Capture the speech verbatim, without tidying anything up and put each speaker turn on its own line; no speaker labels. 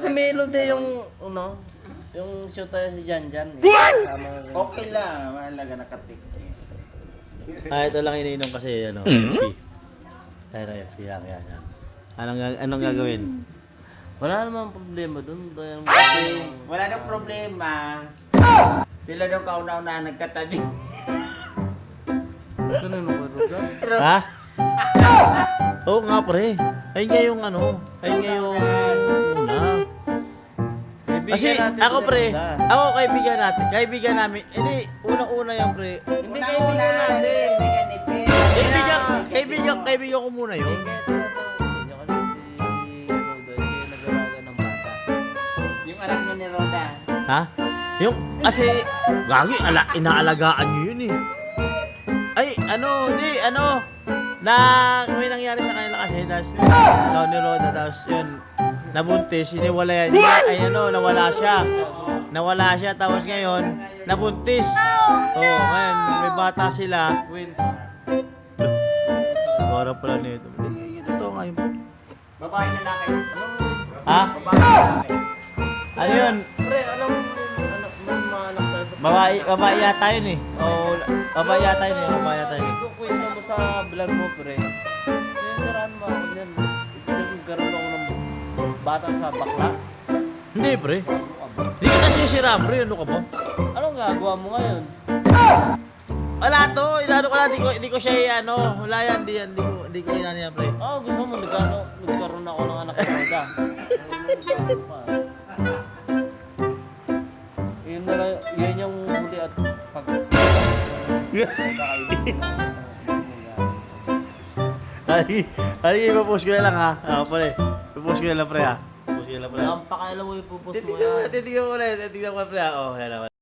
si Melody yung, ano, yung shoot tayo si Jan Jan. Eh.
Okay lang, mahalaga nakatik.
Ah, ito lang iniinom kasi, ano, F P. Kaya na F P lang yan. yan. Anong, gag- anong gagawin?
Wala namang problema dun. Dahil
Kasi wala nang problema. Sila nung kauna-una nagkatabi.
ganun ako, Roda.
Ha? Oo nga pre. Ayun nga yung ano. Ayun nga yung una. Kasi ako pre, ako kaibigan natin. Kaibigan namin. Hindi, unang-una yan pre.
Hindi kaibigan natin.
Kaibigan ni Pin.
Kaibigan, kaibigan, kaibigan ko muna yun.
Yung anak niya ni Roda.
Ha? Yung, kasi, gagi, ala, inaalagaan nyo yun eh. Ay, ano, hindi, ano, na, may nangyari sa kanila kasi, tapos, daw ni Roda, tapos yun, nabuntis, iniwala yan, ay ano, nawala siya. Nawala siya, tapos ngayon, nabuntis. Oo, oh, ngayon, may bata sila. Gora pala nito. Hindi, totoo nga yun.
Babae na laki.
Ha?
Babae na laki.
Ano yun?
Pre, alam mo, ano, may mga anak tayo sa...
Babae, babae yata yun eh. Oo, babae yata yun eh, babae yata yun eh.
Kung kwento mo sa vlog mo, pre, siniraan mo ako dyan. Ibig magkaroon ako ng bata sa bakla.
Hindi pre. Hindi kita sisira pre, ano ka ba?
Anong gagawa mo ngayon?
Wala to, inano ko lang, di ko, di ko siya ano, wala yan, di yan, di ko, di ko inano yan pre.
Ah, gusto mo nagkaroon, nagkaroon ako ng anak ng Roda. Yun na lang, yun yung huli at pag...
Ay, ay, ipapost ko na lang ha. Ah, pre, ipapost ko na lang pre ha. Ipapost ko na lang pre.
Ang pakailan mo ipupost mo yan.
Titignan ko na, titignan ko na pre ha. Oh, yan naman.